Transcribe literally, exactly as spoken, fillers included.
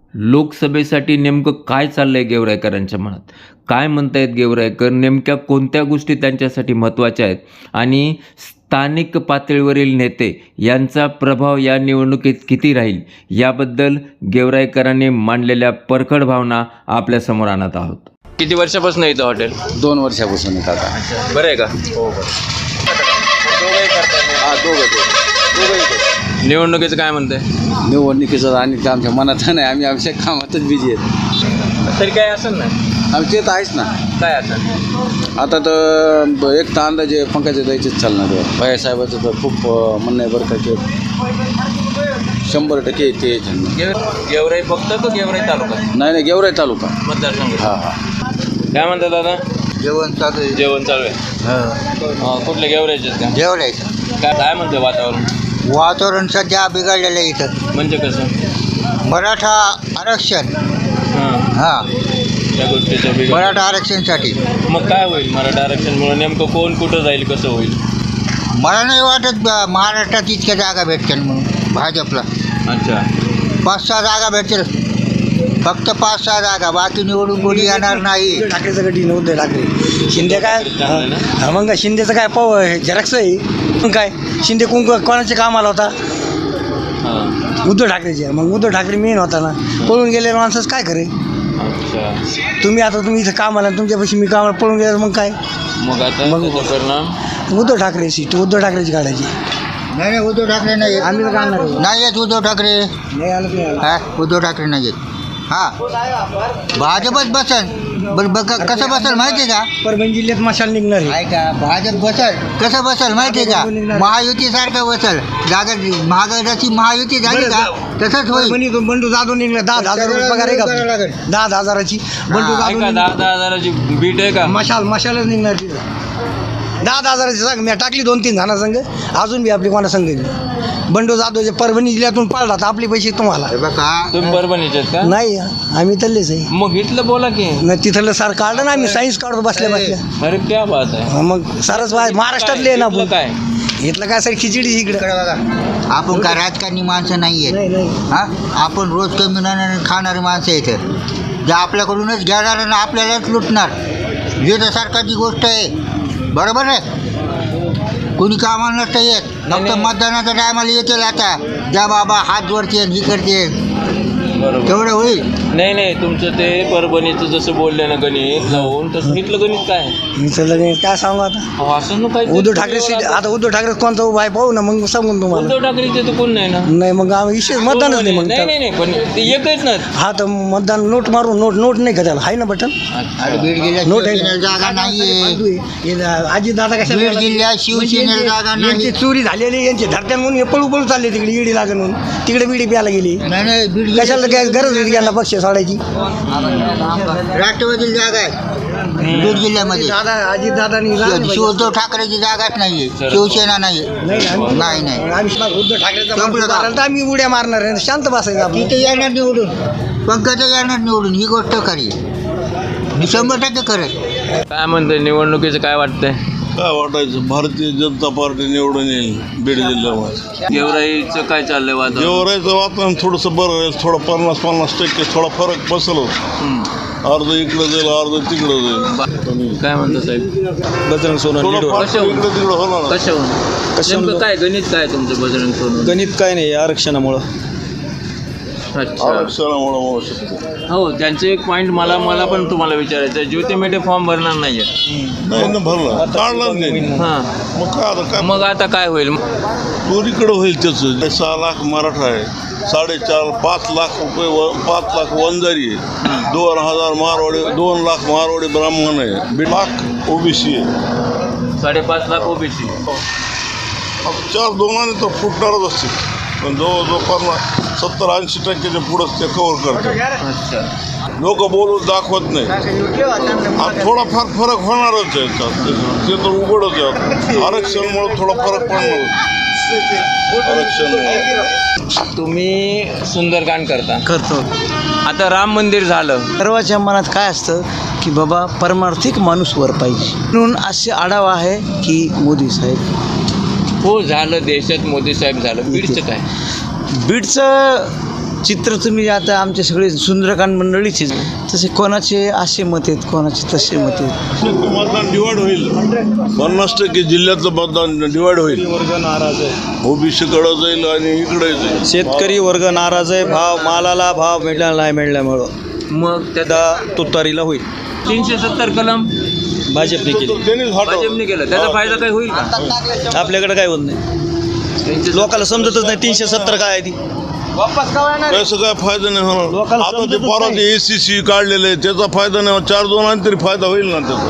लोकसभेसाठी नेमकं काय चाललंय गेवराईकरांच्या मनात? काय म्हणतायत गेवराईकर? नेमक्या कोणत्या गोष्टी त्यांच्यासाठी महत्त्वाच्या आहेत? आणि स्थानिक पातळीवरील नेते यांचा प्रभाव या निवडणुकीत किती राहील? याबद्दल गेवराईकरांनी मांडलेल्या परखड भावना आपल्यासमोर आणत आहोत. किती वर्षापासून येतं हॉटेल? दोन वर्षापासून येत आता. बरं आहे का? हो बरं. हा दोघं दोघं निवडणुकीचं काय म्हणतंय? निवडणुकीचं आणि आमच्या मनात नाही, आम्ही आमच्या कामातच बिझी आहेत. तरी काय असेल ना? आम्ही ते तर आहेच ना. काय असेल आता तर एक तर अंदाजे पंकजा द्यायचेच चालणार आहे. भैयासाहेबाचं तर खूप म्हणणं आहे बरं का, ते शंभर टक्के ते गेवराई फक्त का गेवराई तालुका? नाही नाही गेवराई तालुका मतदारसंघ. हां हां. काय म्हणतात दादा? जेवण चालू आहे. जेवण चालू आहे. हां, कुठले गेवरायचे का? जेवणायचं काय काय म्हणतं वातावरण? वातावरण सध्या बिघडलेलं आहे इथं. म्हणजे कसं? मराठा आरक्षण. हां, हां, त्या गोष्टीचं बिघड. मराठा आरक्षणसाठी मग काय होईल? मराठा आरक्षणमुळे नेमकं कोण कुठं जाईल, कसं होईल? मला नाही वाटत ब- महाराष्ट्रात इतक्या जागा भेटतील म्हणून भाजपला. अच्छा. पाच सहा जागा भेटतील, फक्त पाच सहा जागा, बाकी निवडून कोणी येणार नाही. ठाकरेचं गटी नव्हतं ठाकरे. शिंदे काय चांगलं आहे ना? हा, मग शिंदेचं काय पाव झेरक्स आहे. मग काय शिंदे कोण कोणाचे काम आला होता? हां, उद्धव ठाकरेचे. मग उद्धव ठाकरे मेन होता ना. पळून गेले माणसंच काय करे. अच्छा. तुम्ही आता तुम्ही इथं कामाला, तुमच्यापाशी मी कामाला पळून गेलं मग काय? मग आता मग- त्याचा परिणाम? उद्धव ठाकरे सीट उद्धव ठाकरेची काढायची. नाही नाही, उद्धव ठाकरे नाही येत. आम्ही तर काढणार आहे. नाही येत उद्धव ठाकरे. नाही आलं तुम्ही आलं. हा, उद्धव ठाकरे नाही येत. हां, भाजपच बसल. बरं बघ कसं बसल माहिती आहे का? परभणी जिल्ह्यात मशाल निघणार आहे. ऐका, भाजप बसल कसं बसल माहिती आहे का? महायुतीसारखं बसल. जागा महागाईची महायुती झाली का तसंच होईल. परभणीतून बंडू जाधव निघला. दहा दहा हजार रुपये पगार आहे करावं का? लागेल. दहा दहा हजाराची बंडू हा, जाधव ऐका, निघला. दहा दहा हजाराची बीट आहे का? मशाल मशालच निघणार तिथं. दहा दहा हजाराची सांग मी टाकली दोन तीन जणा संघ. अजून बी आपली कोणा संघ बंडू जाधवचे परभणी जिल्ह्यातून पाळला तर आपले पैसे तुम्हाला. हे बघा, तुम्ही परभणीचे आहेत का? नाही आम्ही तल्लेच आहे. मग इथलं बोला की. नाही तिथलं सार काढलं ना आम्ही. सायन्स काढतो बसल्या बसल्या. अरे क्या बात आहे. हा, मग सारच बाहेर महाराष्ट्रातले आहे ना इथलं आपण. काय? इथलं काय सर खिचडी इकडे. इकडे बघा, आपण काय राजकारणी माणसं नाही आहेत. नाही नाही हा, आपण रोज कमी खाणारी माणसं इथं. जे आपल्याकडूनच घेणार आणि आपल्यालाच लुटणार. हे तर सरकारची गोष्ट आहे. बरोबर आहे. कोणी कामाला नसतं येत, फक्त मतदानाच्या टायमाला येतील. आता ज्या बाबा हात जोडते ही करते बरोबर. तेवढं होईल. नाही नाही, तुमचं ते परभणीचं जसं बोलले ना गणित लावून, तसं इथलं गणित काय? इथलं नाही. काय सांगू आता. अहो, असं नको. उद्धव ठाकरे सीट आता उद्धव ठाकरे कोणता उभा आहे पाहू ना मग सांगून तुम्हाला. उद्धव ठाकरेचे तर कोण नाही ना. नाही मग आम्ही विशेष मतदानच नाही मग. नाही नाही नाही, पण ते एकच ना. हा तर मतदान नोट मारून नोट नोट नाही का त्याला आहे ना बटन. आणि बीड जिल्ह्यात नोट आहे शिवसेनेला जागा नाहीये. आजी दादा कशा बीड जिल्ह्यात शिवसेनेला जागा नाही. यांची चोरी झालेली यांची धरत्यान म्हणून हे पळू पळू चालले तिकडे ईडी लागण म्हणून. तिकडे बिडी प्यायला गेली. नाही नाही, बीड कशाला जिल्ह्यात काय गरज होती यांना पक्ष सोडायची. राष्ट्रवादीला जागा आहे बीड जिल्ह्यामध्ये. दादा अजित दादानी शिव- उद्धव ठाकरेची जागाच नाहीये. शिवसेना नाही नाही नाही. उद्धव ठाकरेचा संपलं माणूस का? आला तर आम्ही उड्या मारणार आहे. शांत बसायचं आपण. तिथे येणार निवडून, पंकजा येणार निवडून, ही गोष्ट खरी. मी शंभर टक्के खरं. काय म्हणते निवडणुकीचं काय वाटतंय? काय वाटायचं, भारतीय जनता पार्टी निवडून येईल बीड जिल्ह्यामध्ये. गेवराईचं काय चाललंय वातावरण? जेवरायचं वातावरण थोडंसं बरं आहे. थोडं पन्नास पन्नास टक्के थोडा फरक बसलो. हम्म. अर्ध इकडं जाईल, अर्ध तिकडं जाईल. काय म्हणतो साहेब? बजरंग सोनवणे थोडं लीडवर. फार इकडं तिकडं होणार ना. कशाहून? नेमकं काय गणित काय तुमचं बजरंग सोनवणे? गणित काय नाही आरक्षणामुळं. अच्छा. आरक्षणामुळं होऊ शकते. हो, त्यांचे एक पॉईंट मला मला पण तुम्हाला विचारायचं आहे. ज्योती मेटे फॉर्म भरणार नाहीये. नाही ना भरला, काढला नाही. हां, मग काय आता काय मग आता काय होईल? चोरीकडं होईल त्याचं. सहा लाख मराठा आहे, साडेचार पाच लाख रुपये व पाच लाख वंजारी आहे, दोन हजार मारवाडी, दोन लाख मारवाडी ब्राह्मण आहे, दीड लाख ओबीसी आहे. साडेपाच लाख ओबीसी. चार दोनाने तर फुटणारच असते, पण जवळजवळ पन्नास सत्तर ऐंशी टक्क्याच्या पुढंच ते कव्हर करतात. अच्छा. लोक बोलून दाखवत नाही. हा थोडाफार फरक होणारच आहे त्यात. ते तर उघडच आहे. आरक्षणमुळे थोडा फरक पडणार. आरक्षण तुम्ही सुंदरकांड करता. करतो. आता राम मंदिर झालं. सर्वांच्या मनात काय असतं की बाबा परमार्थिक माणूस वर पाहिजे म्हणून असे आढावा आहे की मोदी साहेब. हो झालं, देशात मोदी साहेब झालं. बीडचं काय? बीडचं चित्र तुम्ही आता आमचे सगळे सुंदरकांड मंडळीचे तसे कोणाचे असे मत आहेत कोणाचे तसे मत आहेत. मतदान डिवाइड होईल पन्नास टक्के जिल्ह्याचं मतदान डिवाइड होईल. वर्ग नाराज आहे, ओबीसीकडे जाईल आणि इकडे जाईल. शेतकरी वर्ग नाराज आहे, भाव मालाला भाव मिळाला नाही मिळाल्यामुळं मग त्या त्याचा तुतारीला होईल. तीनशे सत्तर कलम भाजपने केली, त्यांनीच हटवलं. भाजपने केलं, त्याचा फायदा काय होईल का? आपल्याकडे काय होत नाही, लोकांना समजतच नाही तीनशे सत्तर काय आहे ती. त्याचा काय फायदा नाही होणार. लोकांना आता ते समजतच परत नाही. एसीसी काढलेलं आहे त्याचा फायदा नाही होणार. चार दोन आणि तरी फायदा होईल ना त्याचा.